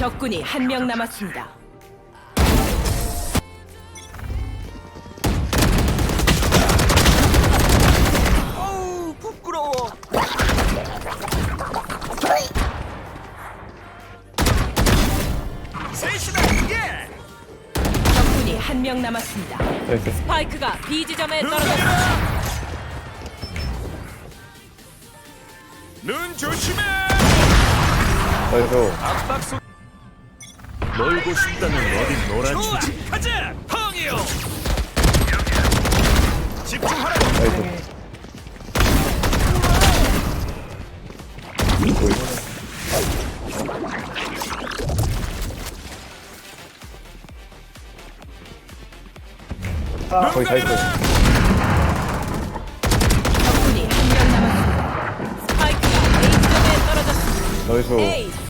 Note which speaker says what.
Speaker 1: 적군이 한 명 남았습니다.
Speaker 2: 어우 부끄러워. 셋이다. 예.
Speaker 1: 적군이 한 명 남았습니다.
Speaker 3: 나이스.
Speaker 1: 스파이크가 B 지점에
Speaker 2: 눈
Speaker 1: 떨어졌습니다.
Speaker 2: 내려라. 눈 조심해.
Speaker 3: 나이스.
Speaker 2: 압박 속.
Speaker 4: 놀고 싶다면 어디 놀아주지.
Speaker 2: 가자. 펑이요. 집중하라고.
Speaker 3: 나이스. 거의 다 있어요.
Speaker 1: 적군이 한 명 남았습니다. 스파이크가 A 지점에 떨어졌습니다.
Speaker 3: 나이스.
Speaker 1: A